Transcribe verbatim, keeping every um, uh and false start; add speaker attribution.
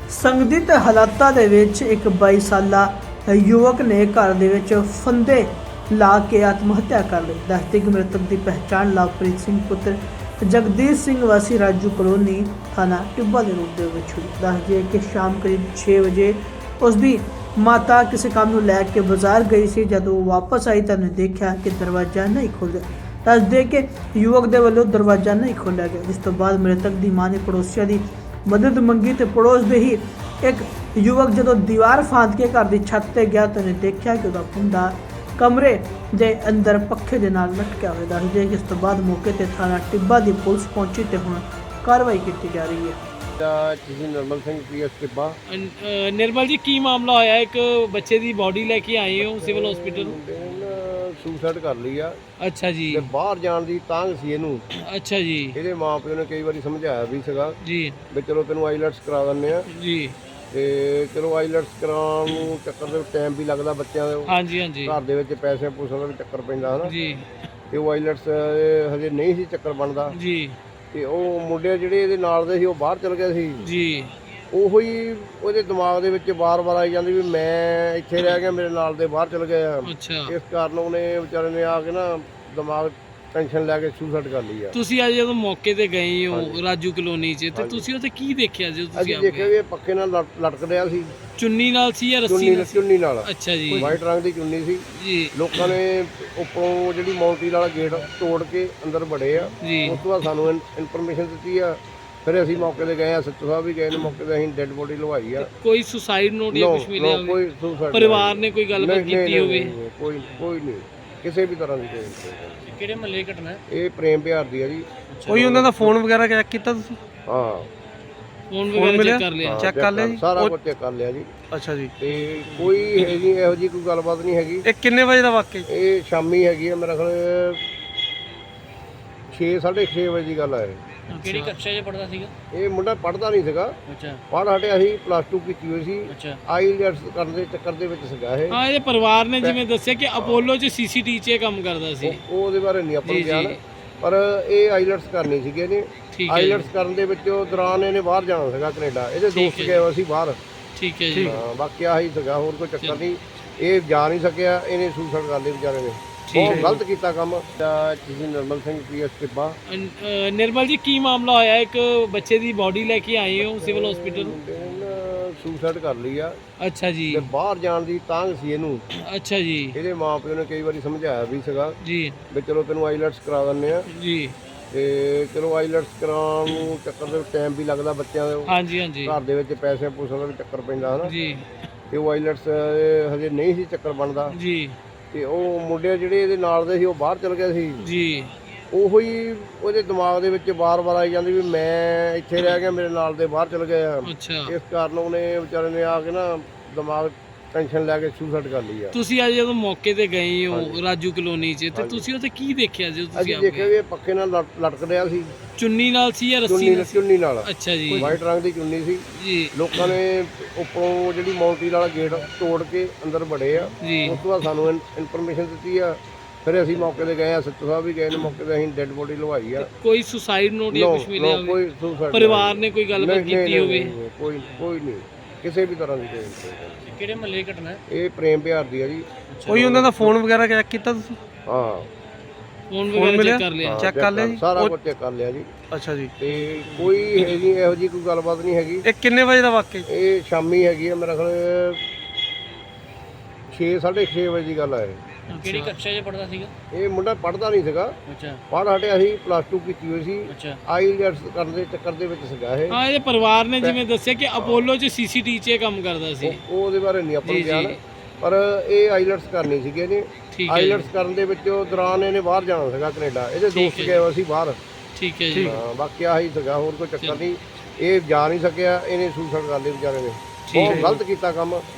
Speaker 1: ਸੰਗਠਿਤ ਹਾਲਾਤਾਂ ਦੇ ਵਿੱਚ ਇੱਕ ਬਾਈ ਸਾਲਾ ਯੁਵਕ ਨੇ ਘਰ ਦੇ ਵਿੱਚ ਫੰਦੇ ਲਾ ਕੇ ਆਤਮ ਹੱਤਿਆ ਕਰ ਲਈ। ਦੱਸਦੇ ਕਿ ਮ੍ਰਿਤਕ ਦੀ ਪਹਿਚਾਣ ਲਵਪ੍ਰੀਤ ਸਿੰਘ ਪੁੱਤਰ ਜਗਦੀਸ਼ ਸਿੰਘ ਵਾਸੀ ਰਾਜੂ ਕਲੋਨੀ ਥਾਣਾ ਟਿੱਬਾ ਦੇ ਰੂਪ ਦੇ ਵਿੱਚ ਹੋਈ। ਦੱਸਦੇ ਕਿ ਸ਼ਾਮ ਕਰੀਬ ਛੇ ਵਜੇ ਉਸ ਦੀ ਮਾਤਾ ਕਿਸੇ ਕੰਮ ਨੂੰ ਲੈ ਕੇ ਬਾਜ਼ਾਰ ਗਈ ਸੀ। ਜਦੋਂ ਉਹ ਵਾਪਸ ਆਈ ਤਾਂ ਉਹਨੇ ਦੇਖਿਆ ਕਿ ਦਰਵਾਜ਼ਾ ਨਹੀਂ ਖੁੱਲ੍ਹਿਆ। ਦੱਸਦੇ ਕਿ ਯੁਵਕ ਦੇ ਵੱਲੋਂ ਦਰਵਾਜ਼ਾ ਨਹੀਂ ਖੋਲ੍ਹਿਆ ਗਿਆ, ਜਿਸ ਤੋਂ ਬਾਅਦ ਮ੍ਰਿਤਕ ਦੀ ਮਾਂ ਨੇ ਪੜੋਸੀਆਂ ਦੀ ਮਦਦ ਮੰਗੀ ਤੇ ਪੜੋਸ ਦੇ ਹੀ ਇੱਕ ਯੁਵਕ ਜਦੋਂ ਦੀਵਾਰ ਫਾਂਦ ਕੇ ਘਰ ਦੀ ਛੱਤ ਤੇ ਗਿਆ ਤਾਂ ਉਹਨੇ ਦੇਖਿਆ ਕਿ ਉਹਦਾ ਮੁੰਡਾ ਕਮਰੇ ਦੇ ਅੰਦਰ ਪੱਖੇ ਦੇ ਨਾਲ ਲਟਕਿਆ ਹੋਇਆ। ਦੱਸਦੇ ਕਿ ਇਸ ਤੋਂ ਬਾਅਦ ਮੌਕੇ ਤੇ ਥਾਣਾ ਟਿੱਬਾ ਦੀ ਪੁਲਿਸ ਪਹੁੰਚੀ ਤੇ ਹੁਣ ਕਾਰਵਾਈ ਕੀਤੀ ਜਾ ਰਹੀ ਹੈ।
Speaker 2: ਤੁਸੀਂ ਨਿਰਮਲ ਸਿੰਘ ਪੀਐਸ ਟਿੱਬਾ।
Speaker 3: ਅ, ਨਿਰਮਲ ਜੀ ਕੀ ਮਾਮਲਾ ਹੋਇਆ? ਇੱਕ ਬੱਚੇ ਦੀ ਬਾਡੀ ਲੈ ਕੇ ਆਏ ਹੋ ਸਿਵਲ ਹਸਪੀਟਲ?
Speaker 2: ਸੁਸਾਈਡ ਕਰ ਲਈ ਆ।
Speaker 3: ਅੱਛਾ ਜੀ।
Speaker 2: ਤੇ ਬਾਹਰ ਜਾਣ ਦੀ ਤਾਂਘ ਸੀ ਇਹਨੂੰ।
Speaker 3: ਅੱਛਾ ਜੀ।
Speaker 2: ਇਹਦੇ ਮਾਪਿਓ ਨੇ ਕਈ ਵਾਰੀ ਸਮਝਾਇਆ ਵੀ ਸੀਗਾ
Speaker 3: ਜੀ
Speaker 2: ਵੀ ਚਲੋ ਤੈਨੂੰ ਆਈਲੈਟਸ ਕਰਾ ਦਿੰਦੇ ਆ।
Speaker 3: ਜੀ
Speaker 2: ਤੇ ਚਲੋ ਆਈਲੈਟਸ ਕਰਾਉਣ ਨੂੰ ਚੱਕਰ ਦੇ ਟਾਈਮ ਵੀ ਲੱਗਦਾ ਬੱਚਿਆਂ ਦੇ,
Speaker 3: ਹਾਂਜੀ ਹਾਂਜੀ
Speaker 2: ਘਰ ਦੇ ਵਿੱਚ ਪੈਸੇ ਪੂਸਿਆਂ ਦਾ ਵੀ ਚੱਕਰ ਪੈਂਦਾ ਹਨਾ।
Speaker 3: ਜੀ
Speaker 2: ਤੇ ਉਹ ਆਈਲੈਟਸ ਹਜੇ ਨਹੀਂ ਸੀ ਚੱਕਰ ਬਣਦਾ।
Speaker 3: ਜੀ
Speaker 2: ਤੇ ਉਹ ਮੁੰਡੇ ਜਿਹੜੇ ਇਹਦੇ ਨਾਲ ਦੇ ਸੀ ਉਹ ਬਾਹਰ ਚਲ ਗਏ ਸੀ।
Speaker 3: ਜੀ
Speaker 2: ਉਹੋ ਹੀ ਉਹਦੇ ਦਿਮਾਗ ਦੇ ਵਿੱਚ ਵਾਰ-ਵਾਰ ਆਈ ਜਾਂਦੀ ਵੀ ਮੈਂ ਇੱਥੇ ਰਹਿ ਗਿਆ, ਮੇਰੇ ਨਾਲ ਦੇ ਬਾਹਰ ਚਲ ਗਏ ਆ।
Speaker 3: ਅੱਛਾ।
Speaker 2: ਇਸ ਕਾਰਨ ਉਹਨੇ ਵਿਚਾਰੇ ਨੇ ਆ ਕੇ ਨਾ ਦਿਮਾਗ ਟੈਨਸ਼ਨ ਲੈ ਕੇ ਸੁਸਾਈਡ ਕਰ ਲਈ ਆ।
Speaker 3: ਤੁਸੀਂ ਅੱਜ ਜਦੋਂ ਮੌਕੇ ਤੇ ਗਏ ਹੋ ਰਾਜੂ ਕਲੋਨੀ 'ਚ ਤੇ ਤੁਸੀਂ ਉੱਥੇ ਕੀ ਦੇਖਿਆ ਜਦੋਂ ਤੁਸੀਂ
Speaker 2: ਅਸੀਂ
Speaker 3: ਆ
Speaker 2: ਦੇਖਿਆ ਵੀ ਇਹ ਪੱਖੇ ਨਾਲ ਲਟ- ਲਟਕ ਰਿਹਾ ਸੀ,
Speaker 3: ਚੁੰਨੀ ਨਾਲ ਸੀ ਜਾਂ ਰੱਸੀ
Speaker 2: ਚੁੰਨੀ
Speaker 3: ਨਾਲ ਸੀ?
Speaker 2: ਚੁੰਨੀ ਨਾਲ।
Speaker 3: ਅੱਛਾ ਜੀ।
Speaker 2: ਵਾਈਟ ਰੰਗ ਦੀ ਚੁੰਨੀ ਸੀ।
Speaker 3: ਜੀ
Speaker 2: ਲੋਕਾਂ ਨੇ ਉੱਪਰੋਂ ਜਿਹੜੀ ਮੌਂਟੀ ਵਾਲਾ ਗੇਟ ਤੋੜ ਕੇ ਅੰਦਰ ਵੜੇ ਆ।
Speaker 3: ਜੀ
Speaker 2: ਉਸ ਤੋਂ ਬਾਅਦ ਸਾਨੂੰ ਇਨਫੋਰਮੇਸ਼ਨ ਦਿੱਤੀ ਆ, ਫਿਰ ਅਸੀਂ ਮੌਕੇ ਤੇ ਗਏ ਆ। ਸੱਚੋ ਸਾਹਿਬ ਵੀ ਗਏ ਨੇ ਮੌਕੇ ਤੇ, ਅਸੀਂ ਡੈੱਡ ਬੋਡੀ ਲਵਾਈ ਆ।
Speaker 3: ਕੋਈ ਸੁਸਾਈਡ ਨੋਟ ਜਾਂ
Speaker 2: No,
Speaker 3: ਕੁਝ ਮਿਲਿਆ
Speaker 2: no,
Speaker 3: ਹੋਵੇ?
Speaker 2: ਕੋਈ suicide
Speaker 3: ਪਰਿਵਾਰ
Speaker 2: ਨਹੀਂ।
Speaker 3: ਨੇ ਕੋਈ ਗੱਲਬਾਤ
Speaker 2: ਨਹੀਂ, ਨਹੀਂ,
Speaker 3: ਕੀਤੀ ਹੋਵੇ?
Speaker 2: ਨਹੀਂ, ਨਹੀਂ, ਕੋਈ ਕੋਈ ਨਹੀਂ, ਕਿਸੇ ਵੀ ਤਰ੍ਹਾਂ ਦੀ ਕੋਈ।
Speaker 3: ਕਿਹੜੇ ਮਹੱਲੇ ਘਟਨਾ?
Speaker 2: ਇਹ ਪ੍ਰੇਮ ਪਿਆਰ ਦੀ ਆ ਜੀ।
Speaker 4: ਕੋਈ ਉਹਨਾਂ ਦਾ ਫੋਨ ਵਗੈਰਾ ਚੈੱਕ ਕੀਤਾ ਤੁਸੀਂ?
Speaker 2: ਹਾਂ,
Speaker 3: ਫੋਨ ਵਗੈਰਾ ਚੈੱਕ ਕਰ ਲਿਆ?
Speaker 2: ਹਾਂ,
Speaker 4: check ਕਰ ਲਿਆ ਜੀ?
Speaker 2: ਸਾਰਾ
Speaker 4: ਉਹ-
Speaker 2: ਕੁਝ ਚੈੱਕ ਕਰ ਲਿਆ ਜੀ।
Speaker 4: ਅੱਛਾ ਜੀ।
Speaker 2: ਤੇ ਕੋਈ ਹੈ ਜੀ ਇਹੋ ਜੀ ਕੋਈ ਗੱਲਬਾਤ ਨਹੀਂ ਹੈਗੀ।
Speaker 4: ਇਹ ਕਿੰਨੇ ਵਜੇ ਦਾ ਵਾਕਿਆ ਜੀ?
Speaker 2: ਇਹ ਸ਼ਾਮੀ ਹੈਗੀ ਆ, ਮੇਰਾ ਖਿਆਲ ਛੇ ਸਾਢੇ ਛੇ ਵਜੇ ਦੀ ਗੱਲ ਹੈ।
Speaker 3: ਕਿਹੜੀ ਕਕਸ਼ਾ 'ਚ ਪੜਦਾ ਸੀਗਾ?
Speaker 2: ਇਹ ਮੁੰਡਾ ਪੜ੍ਹਦਾ ਨਹੀਂ ਸੀਗਾ,
Speaker 3: ਅੱਛਾ
Speaker 2: ਪੜ੍ਹ ਹਟਿਆ ਸੀ, ਪਲੱਸ ਟੂ ਕੀਤੀ ਹੋਈ ਸੀ।
Speaker 3: ਅੱਛਾ।
Speaker 2: ਆਈਲੈਟਸ ਕਰਨ ਦੇ ਚੱਕਰ ਦੇ ਵਿੱਚ ਸੀਗਾ ਇਹ।
Speaker 3: ਹਾਂ, ਇਹਦੇ ਪਰਿਵਾਰ ਨੇ ਜਿਵੇਂ ਦੱਸਿਆ ਕਿ ਅਪੋਲੋ 'ਚ ਸੀਸੀਟੀ 'ਚ ਇਹ ਕੰਮ ਕਰਦਾ ਸੀ।
Speaker 2: ਉਹ- ਉਹਦੇ ਬਾਰੇ ਨਹੀਂ ਆਪਾਂ ਨੂੰ
Speaker 3: ਜੀ,
Speaker 2: ਗਿਆਨ,
Speaker 3: ਜੀ।
Speaker 2: ਪਰ ਇਹ ਆਈਲੈਟਸ ਕਰਨੀ ਸੀਗੀ ਇਹਨੇ।
Speaker 3: ਠੀਕ ਹੈ
Speaker 2: ਆਈਲੈਟਸ
Speaker 3: ਜੀ।
Speaker 2: ਕਰਨ ਦੇ ਵਿੱਚ ਉਹ ਦੌਰਾਨ ਇਹਨੇ ਬਾਹਰ ਜਾਣਾ ਸੀਗਾ ਕੈਨੇਡਾ। ਇਹਦੇ
Speaker 3: ਠੀਕ
Speaker 2: ਦੋਸਤ
Speaker 3: ਹੈ
Speaker 2: ਗਏ ਹੋਏ ਸੀ ਬਾਹਰ।
Speaker 3: ਠੀਕ ਹੈ ਜੀ।
Speaker 2: ਹਾਂ, ਬਾਕੀ ਆਹੀ ਸੀਗਾ, ਹੋਰ ਕੋਈ ਚੱਕਰ ਨਹੀਂ। ਇਹ ਜਾ ਨਹੀਂ ਸਕਿਆ, ਇਹਨੇ ਸੁਸਾਈਡ ਕਰ ਲਈ ਵਿਚਾਰੇ ਨੇ। ਬਹੁਤ ਗਲਤ ਕੀਤਾ ਕੰਮ। ਤੁਸੀਂ ਨਿਰਮਲ ਸਿੰਘ ਪੀਐਸ ਟਿੱਬਾ।
Speaker 3: ਅ, ਨਿਰਮਲ ਜੀ ਕੀ ਮਾਮਲਾ ਹੋਇਆ? ਇੱਕ ਬੱਚੇ ਦੀ ਬਾਡੀ ਲੈ ਕੇ ਆਏ ਹੋ ਸਿਵਲ ਹਸਪੀਟਲ?
Speaker 2: ਸੁਸਾਈਡ ਕਰ ਲਈ ਆ।
Speaker 3: ਅੱਛਾ ਜੀ।
Speaker 2: ਤੇ ਬਾਹਰ ਜਾਣ ਦੀ ਤਾਂਘ ਸੀ ਇਹਨੂੰ।
Speaker 3: ਅੱਛਾ ਜੀ।
Speaker 2: ਇਹਦੇ ਮਾਪਿਓ ਨੇ ਕਈ ਵਾਰੀ ਸਮਝਾਇਆ ਵੀ ਸੀਗਾ
Speaker 3: ਜੀ
Speaker 2: ਵੀ ਚਲੋ ਤੈਨੂੰ ਆਈਲੈਟਸ ਕਰਾ ਦਿੰਦੇ ਆ।
Speaker 3: ਜੀ
Speaker 2: ਤੇ ਚਲੋ ਆਈਲੈਟਸ ਕਰਾਉਣ ਨੂੰ ਚੱਕਰ ਦੇ ਟਾਈਮ ਵੀ ਲੱਗਦਾ ਬੱਚਿਆਂ ਦੇ,
Speaker 3: ਹਾਂਜੀ ਹਾਂਜੀ
Speaker 2: ਘਰ ਦੇ ਵਿੱਚ ਪੈਸੇ ਪੂਸਿਆਂ ਦਾ ਵੀ ਚੱਕਰ ਪੈਂਦਾ ਹਨਾ।
Speaker 3: ਜੀ
Speaker 2: ਤੇ ਉਹ ਆਈਲੈਟਸ ਹਜੇ ਨਹੀਂ ਸੀ ਚੱਕਰ ਬਣਦਾ।
Speaker 3: ਜੀ
Speaker 2: ਤੇ ਉਹ ਮੁੰਡੇ ਜਿਹੜੇ ਇਹਦੇ ਨਾਲ ਦੇ ਸੀ ਉਹ ਬਾਹਰ ਚਲ ਗਏ ਸੀ।
Speaker 3: ਜੀ
Speaker 2: ਉਹੋ ਹੀ ਉਹਦੇ ਦਿਮਾਗ ਦੇ ਵਿੱਚ ਵਾਰ-ਵਾਰ ਆਈ ਜਾਂਦੀ ਵੀ ਮੈਂ ਇੱਥੇ ਰਹਿ ਗਿਆ, ਮੇਰੇ ਨਾਲ ਦੇ ਬਾਹਰ ਚਲ ਗਏ ਆ।
Speaker 3: ਅੱਛਾ।
Speaker 2: ਇਸ ਕਾਰਨ ਉਹਨੇ ਵਿਚਾਰੇ ਨੇ ਆ ਕੇ ਨਾ ਦਿਮਾਗ ਟੈਨਸ਼ਨ ਲੈ ਕੇ ਸੁਸਾਈਡ ਕਰ ਲਈ ਆ।
Speaker 3: ਤੁਸੀਂ ਅੱਜ ਜਦੋਂ ਮੌਕੇ ਤੇ ਗਏ ਹੋ ਰਾਜੂ ਕਲੋਨੀ 'ਚ ਤੇ ਤੁਸੀਂ ਉੱਥੇ ਕੀ ਦੇਖਿਆ ਜਦੋਂ ਤੁਸੀਂ
Speaker 2: ਅਸੀਂ
Speaker 3: ਆ
Speaker 2: ਦੇਖਿਆ
Speaker 3: ਗਏ?
Speaker 2: ਵੀ ਇਹ ਪੱਖੇ ਨਾਲ ਲਟ- ਲਟਕ ਰਿਹਾ ਸੀ,
Speaker 3: ਚੁੰਨੀ ਨਾਲ ਸੀ ਜਾਂ ਰੱਸੀ
Speaker 2: ਚੁੰਨੀ
Speaker 3: ਨਾਲ ਸੀ?
Speaker 2: ਚੁੰਨੀ ਨਾਲ।
Speaker 3: ਅੱਛਾ ਜੀ।
Speaker 2: ਵਾਈਟ ਰੰਗ ਦੀ ਚੁੰਨੀ ਸੀ।
Speaker 3: ਜੀ
Speaker 2: ਲੋਕਾਂ ਨੇ ਉੱਪਰੋਂ ਜਿਹੜੀ ਮੌਂਟੀ ਵਾਲਾ ਗੇਟ ਤੋੜ ਕੇ ਅੰਦਰ ਵੜੇ ਆ।
Speaker 3: ਜੀ
Speaker 2: ਉਸ ਤੋਂ ਬਾਅਦ ਸਾਨੂੰ ਇਨਫੋਰਮੇਸ਼ਨ ਦਿੱਤੀ ਆ, ਫਿਰ ਅਸੀਂ ਮੌਕੇ ਤੇ ਗਏ ਆ। ਸੱਚੋ ਸਾਹਿਬ ਵੀ ਗਏ ਨੇ ਮੌਕੇ ਤੇ, ਅਸੀਂ ਡੈੱਡ ਬੋਡੀ ਲਵਾਈ ਆ।
Speaker 3: ਕੋਈ ਸੁਸਾਈਡ ਨੋਟ ਜਾਂ
Speaker 2: No,
Speaker 3: ਕੁਝ ਮਿਲਿਆ
Speaker 2: no,
Speaker 3: ਹੋਵੇ?
Speaker 2: ਕੋਈ suicide
Speaker 3: ਪਰਿਵਾਰ
Speaker 2: ਨਹੀਂ।
Speaker 3: ਨੇ ਕੋਈ ਗੱਲਬਾਤ
Speaker 2: ਨਹੀਂ, ਨਹੀਂ,
Speaker 3: ਕੀਤੀ ਹੋਵੇ?
Speaker 2: ਨਹੀਂ, ਕੋਈ ਕੋਈ ਨਹੀਂ, ਕਿਸੇ ਵੀ ਤਰ੍ਹਾਂ ਦੀ ਕੋਈ।
Speaker 3: ਕਿਹੜੇ ਮਹੱਲੇ ਘਟਨਾ?
Speaker 2: ਇਹ ਪ੍ਰੇਮ ਪਿਆਰ ਦੀ ਆ ਜੀ।
Speaker 4: ਕੋਈ ਉਹਨਾਂ ਦਾ ਫੋਨ ਵਗੈਰਾ ਚੈੱਕ ਕੀਤਾ ਤੁਸੀਂ?
Speaker 2: ਹਾਂ,
Speaker 3: ਫੋਨ
Speaker 4: ਫੋਨ
Speaker 3: ਵਗੈਰਾ
Speaker 4: ਮਿਲਿਆ?
Speaker 3: ਚੈੱਕ ਕਰ ਲਿਆ?
Speaker 2: ਹਾਂ,
Speaker 4: check ਕਰ ਲਿਆ ਜੀ?
Speaker 2: ਸਾਰਾ
Speaker 4: ਉਹ-
Speaker 2: ਕੁਝ ਚੈੱਕ ਕਰ ਲਿਆ ਜੀ।
Speaker 4: ਅੱਛਾ ਜੀ।
Speaker 2: ਤੇ ਕੋਈ ਹੈ ਜੀ ਇਹੋ ਜੀ ਕੋਈ ਗੱਲਬਾਤ ਨਹੀਂ ਹੈਗੀ।
Speaker 4: ਇਹ ਕਿੰਨੇ ਵਜੇ ਦਾ ਵਾਕਿਆ ਜੀ?
Speaker 2: ਇਹ ਸ਼ਾਮੀ ਹੈਗੀ ਆ, ਮੇਰਾ ਖਿਆਲ ਛੇ ਸਾਢੇ ਛੇ ਵਜੇ ਦੀ ਗੱਲ ਹੈ।
Speaker 3: ਕਿਹੜੀ ਕਕਸ਼ਾ 'ਚ ਪੜਦਾ ਸੀਗਾ?
Speaker 2: ਇਹ ਮੁੰਡਾ ਪੜ੍ਹਦਾ ਨਹੀਂ ਸੀਗਾ,
Speaker 3: ਅੱਛਾ
Speaker 2: ਪੜ੍ਹ ਹਟਿਆ ਸੀ, ਪਲੱਸ ਟੂ ਕੀਤੀ ਹੋਈ ਸੀ।
Speaker 3: ਅੱਛਾ।
Speaker 2: ਆਈਲੈਟਸ ਕਰਨ ਦੇ ਚੱਕਰ ਦੇ ਵਿੱਚ ਸੀਗਾ ਇਹ।
Speaker 3: ਹਾਂ, ਇਹਦੇ ਪਰਿਵਾਰ ਨੇ ਜਿਵੇਂ ਦੱਸਿਆ ਕਿ ਅਪੋਲੋ 'ਚ ਸੀਸੀਟੀ 'ਚ ਇਹ ਕੰਮ ਕਰਦਾ ਸੀ।
Speaker 2: ਉਹ- ਉਹਦੇ ਬਾਰੇ ਨਹੀਂ ਆਪਾਂ ਨੂੰ
Speaker 3: ਜੀ,
Speaker 2: ਗਿਆਨ,
Speaker 3: ਜੀ।
Speaker 2: ਪਰ ਇਹ ਆਈਲੈਟਸ ਕਰਨੀ ਸੀਗੀ ਇਹਨੇ।
Speaker 3: ਠੀਕ ਹੈ
Speaker 2: ਆਈਲੈਟਸ
Speaker 3: ਜੀ।
Speaker 2: ਕਰਨ ਦੇ ਵਿੱਚ ਉਹ ਦੌਰਾਨ ਇਹਨੇ ਬਾਹਰ ਜਾਣਾ ਸੀਗਾ ਕੈਨੇਡਾ। ਇਹਦੇ
Speaker 3: ਠੀਕ
Speaker 2: ਦੋਸਤ
Speaker 3: ਹੈ
Speaker 2: ਗਏ ਹੋਏ ਸੀ ਬਾਹਰ।
Speaker 3: ਠੀਕ ਹੈ ਜੀ।
Speaker 2: ਹਾਂ, ਬਾਕੀ ਆਹੀ ਸੀਗਾ, ਹੋਰ ਕੋਈ ਚੱਕਰ ਨਹੀਂ। ਇਹ ਜਾ ਨਹੀਂ ਸਕਿਆ, ਇਹਨੇ ਸੁਸਾਈਡ ਕਰ ਲਈ ਵਿਚਾਰੇ ਨੇ। ਬਹੁਤ ਗਲਤ ਕੀਤਾ ਕੰਮ।